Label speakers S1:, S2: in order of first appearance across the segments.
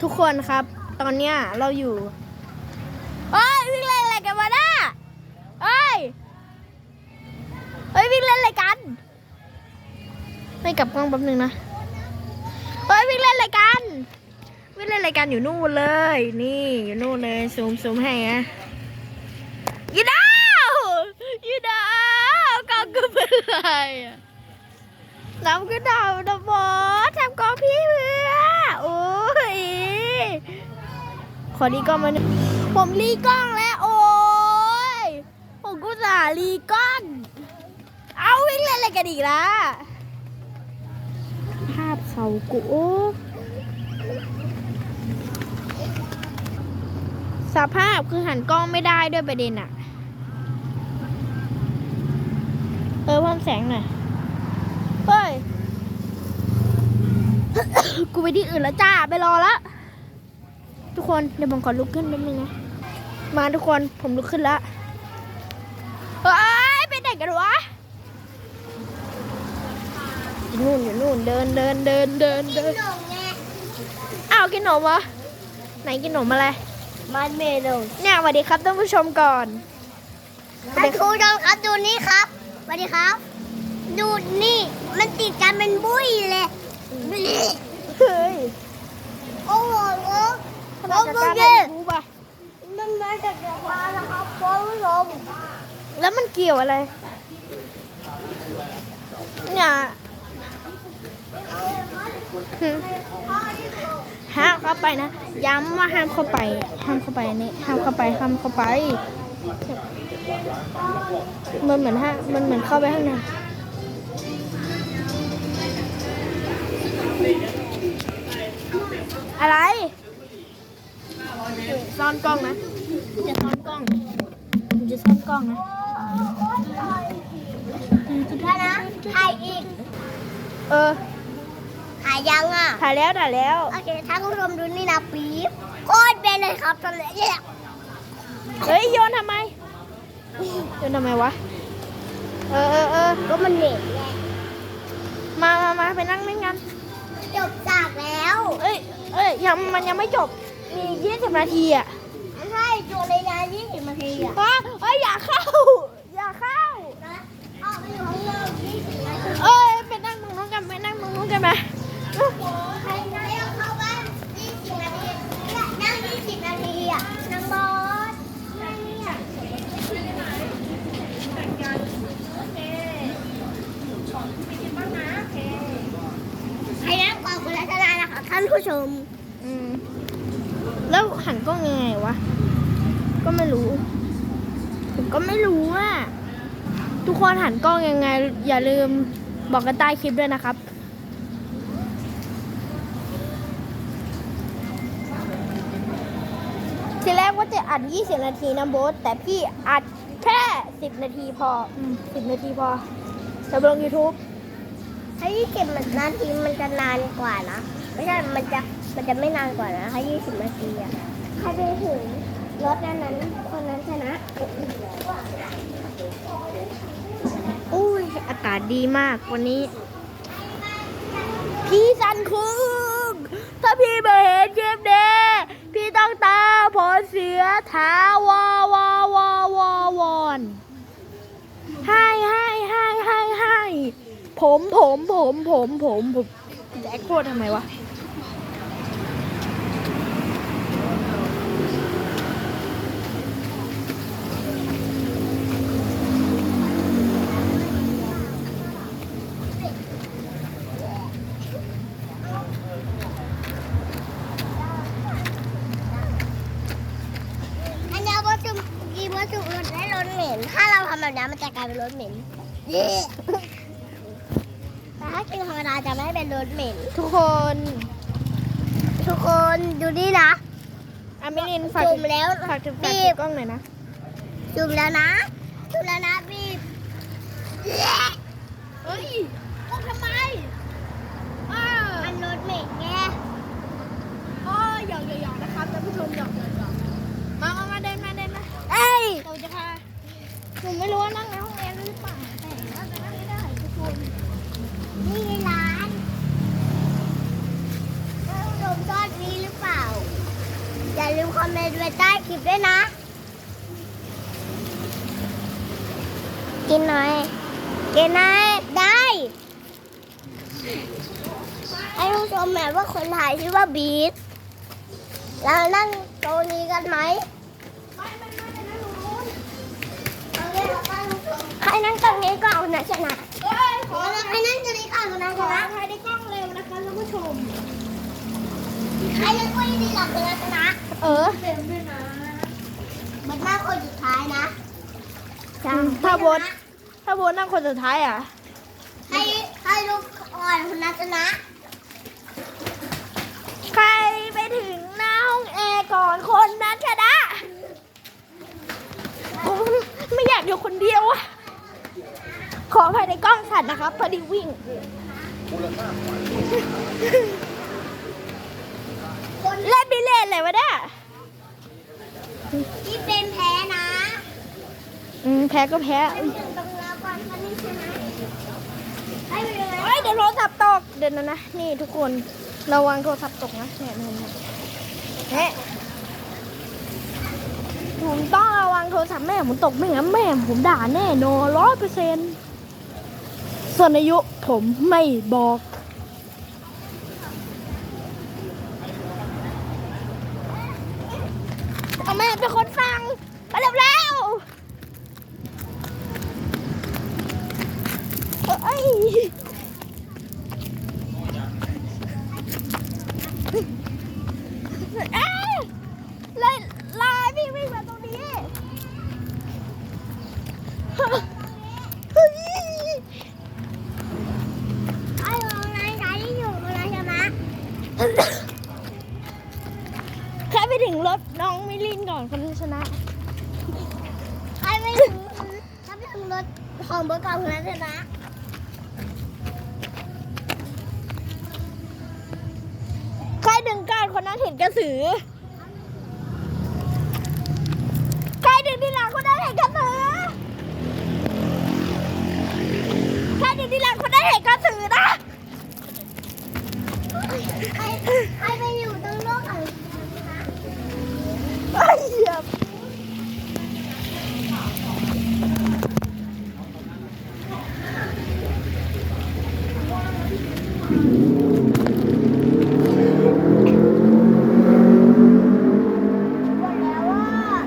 S1: ทุกคนครับตอนเนี้ยเราอยู่เอ้ยวิ่งเล่นอะไรกันวะน่ะเอ้ยวิ่งเล่นอะไรกันไม่กลับกล้องแป๊บนึงนะวิ่งเล่นอะไรกันวิ่งเล่นอะไรกันอยู่นู่นเลยนี่อยู่นู่นเลยซูมให้นะยีดาวกองก็เป็นไรน้ำก็ดาวนะบอสทำกองพี่เพื่อโอ้ยขอรีกล้องมาหนึ่งผมรีกล้องแล้วโอ้ยผมก็จะรีกล้องเอาวิ่งเล่นอะไรกันอีกล่ะภาพเขากูสภาพคือหันกล้องไม่ได้ด้วยประเด็นอะเพิ่มแสงหน่อยเฮ้ย กูไปที่อื่นแล้วจ้าไปรอแล้วทุกคนเดี๋ยวผมขอลุกขึ้นนิดนึงนะมาทุกคนผมลุกขึ้นแล้วไปไหนกันวะอยู่นู่นเดินอ้าวกินขนมวะไหนกินขนมอะไรมันเมนูเนี่ยสวัสดีครับท่านผู้ชมก่อน
S2: ท่านผู้ชมครับดูนี่ครับสวัสดีครับดูนี่มันติดกันเป็นบุ้ยเลย
S1: เฮ้ย
S2: โอ้โห
S1: ทำไมจัดการได้รู้ป่ะ
S2: มันมาจากจักรวาลนะครับคุณผู้ชม
S1: แล้วมันเกี่ยวอะไรเนี่ยห้ามเข้าไปนะย้ำว่าห้ามเข้าไปนี่ห้ามเข้าไปมันเหมือนเข้าไปข้างในอะไรซ่อนกล้องนะจะซ่อนกล้องนะ
S2: ถ้านะถ่ายอีกถ่ายยังอ่ะ
S1: ถ่ายแล้ว
S2: โอเคท่านผู้ชมดูนี่นะปี๊บโคตรเป็นเลยครับตอนนี้
S1: เฮ้ยโยนทำไมวะ
S2: ก็มันเหน็บไง
S1: มาไปนั่งเล่นกัน
S2: จบจากแล้ว
S1: มันยังไม่จบมี20 นาทีอ่ะ
S2: ใช่จบในงาน20 นาทีอ่ะ
S1: อย่าเข้า
S2: นะออกไปอยู่ข้างนอก20 นาที
S1: ไปนั่งตรงนู้นกันไหมใคร
S2: เอาเข้าบ้าน20 นาทีนั่ง20 นาทีอ่ะนางบอสให้นั่งก่อนคุณรัตนานะคะท่านผู้ชม
S1: แล้วหันกล้องยังไงวะก็ไม่รู้ผมก็ไม่รู้อ่ะทุกคนหันกล้องยังไงอย่าลืมบอกกันใต้คลิปด้วยนะครับทีแรกว่าจะอัด20 นาทีนะโบ๊ทแต่พี่อัดแค่10 นาทีพอ10 นาทีพอจะลง YouTube
S2: ถ้า20 นาทีมันจะนานกว่านะไม่ใช่มันจะไม่นานกว่านะถ้า20 นาทีอ่ะใครไปถึงรถนั้นคนนั้นชนะ
S1: อุ้ยอากาศดีมากวันนี้พี่สันคุงถ้าพี่มาเห็นเกมเดพี่ต้องตาผลเสียท้าวอนให้ผมจะแอคโคตรทำไมวะ
S2: วัตถุอื่นได้รสเหม็นถ้าเราทำแบบนี้มันจะกลายเป็นรสเหม็นแต่ถ้ากินธรรมดาจะไม่เป็นรสเหม็น
S1: ทุกคน
S2: ดูนี่นะ
S1: มิลินฝาก
S2: จุ่มแล้ว
S1: บีบกล้องหน่อยนะ
S2: จุ่มแล้วนะบีบ
S1: กล้องทำไม
S2: มันรสเหม็นไง
S1: หยอกนะครับท่านผู้ชมหยอกมาเดินมาเราจะพาผมไม่รู้ว่านั่งในห้องเรียนหรือเปล่าแต่น่าจะนั่งไม่ได้ทุกคน
S2: นี่ร้านท่านผู้ชมชอบนี้หรือเปล่าลืมคอมเมนต์ไว้ใต้คลิปด้วยนะ กินหน่อย กินหน่อยได้ ให้ผู้ชมแม่ว่าคนถ่ายชื่อว่าบีทเรานั่งโต๊ะนี้กันไหมใครนั่งตรงนี้ก็เอานะชนะใครนั่งตรงนี้ก็เอานะชนะใครได้กล้องเร็วนะคะท่านผู้ชมใครนั่งก็ดีหลับเลยนะชนะเร็วด้วยนะมันมากคนสุดท้ายนะ
S1: ถ้าโบนนั่งคนสุดท้ายอ่ะ
S2: ให้ลูกอ่อนคนนั้นชนะ
S1: ใครไปถึงหน้าห้องแอร์ก่อนคนนั้นชนะไม่อยากอยู่คนเดียวอะขออภัยในกล้องสั่นนะครับพอดีวิ่งเล่นบิเล่นเลยวะเนี่ย
S2: ที่เป็นแพ้นะ
S1: แพ้ก็แพ้
S2: ไปถึงตรงแล้วก่อนคนนี้ชนะให้ไปเลย
S1: เฮ้ยเดี๋ยวโทรศัพท์ตกเดี๋ยวนะนี่ทุกคนระวังโทรศัพท์ตกนะเนี่ยผมต้องระวังโทรศัพท์แม่ผมตกไม่งั้นแม่ผมด่าแน่นอน100%ส่วนอายุผมไม่บอกเอาแม่เป็นคนฟังมาเร็วแล้วเอ้ยลายพี่วิ่งมาตรงนี้
S2: ไอ้ลงนายชายที่อยู่นายชนะ
S1: แค่ไปถึงรถน้องมิลินก่อนคนที่ชนะ
S2: ใครไม่ถึงถ้าไปถึงรถของเบอร์เก่าคนนั้นชนะ
S1: ใครดึงการคนนั้นเห็นกระสือใครดึงที่หลังคนนั้นเห็นกระสือใครดึงที่หลังคนนั้นเห็นกระสือนะ
S2: ใครไปอยู่ตรงโลกของ
S1: ไอ้เหี้ย
S2: บอกแล้วว่า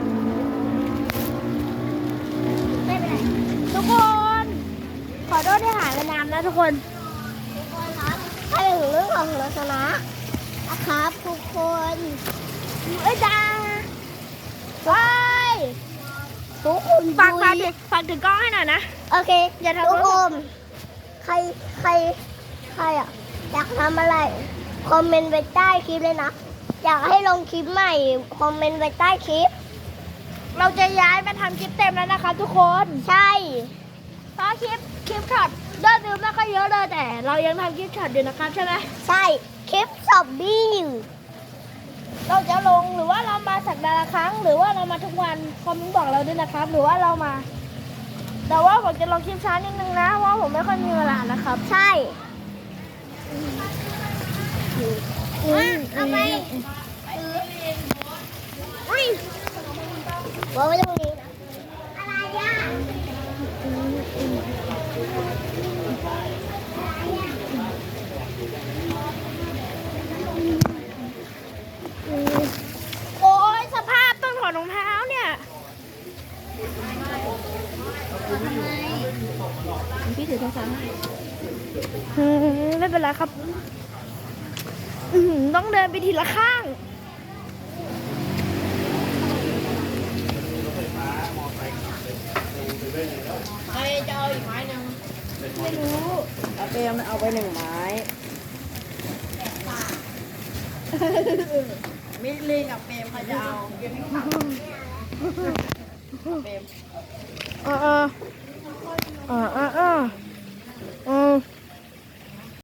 S2: ไม่เป็นไร
S1: ทุกคน ขอโทษที่หายไปนานนะทุกคน
S2: ทุกคนครับใครถึงเรื่องของเราชนะนะครับทุกคน
S1: เอ้ยจ้าว้าย
S2: ทุกคน
S1: ฝากถึงกล้องให้หน่อยนะ
S2: โอเค
S1: อย่าทำ
S2: ทุกคนใครอ่ะอยากทำอะไรคอมเมนต์ไว้ใต้คลิปเลยนะอยากให้ลงคลิปใหม่คอมเมนต์ไว้ใต้คลิป
S1: เราจะย้ายมาทำคลิปเต็มแล้วนะคะทุกคน
S2: ใช่
S1: เพราะคลิปช็อตยอดวิวไม่ค่อยเยอะเลยแต่เรายังทำคลิปช็อตอยู่นะครับใช่ไหม
S2: ใช่คลิปซอบบี้อยู่
S1: เราจะลงหรือว่าเรามาสัปดาห์ละครั้ง หรือว่าเรามาทุกวันคอมเมนต์บอกเราด้วยนะครับ หรือว่าเรามา แต่ว่าผมจะลงคลิปช้านิดนึงนะเพราะว่าผมไม่ค่อยมีเวลานะครับ
S2: ใช่เอาไปวางไว้ตรงนี้นะอะไรอ่ะ
S1: โอ้ยสภาพต้นถอดรองเท้าเนี่ยพี่ถือโทรศัพท์ไม่เป็นไรครับต้องเดินไปทีละข้าง
S3: ใครจะเอาอีกไม้หนึ่ง
S1: ไม่รู้
S3: เอาเปรมเอาไป1 ไม้ มิลลินกับเปรมใครจะเอาเปรม
S1: เออ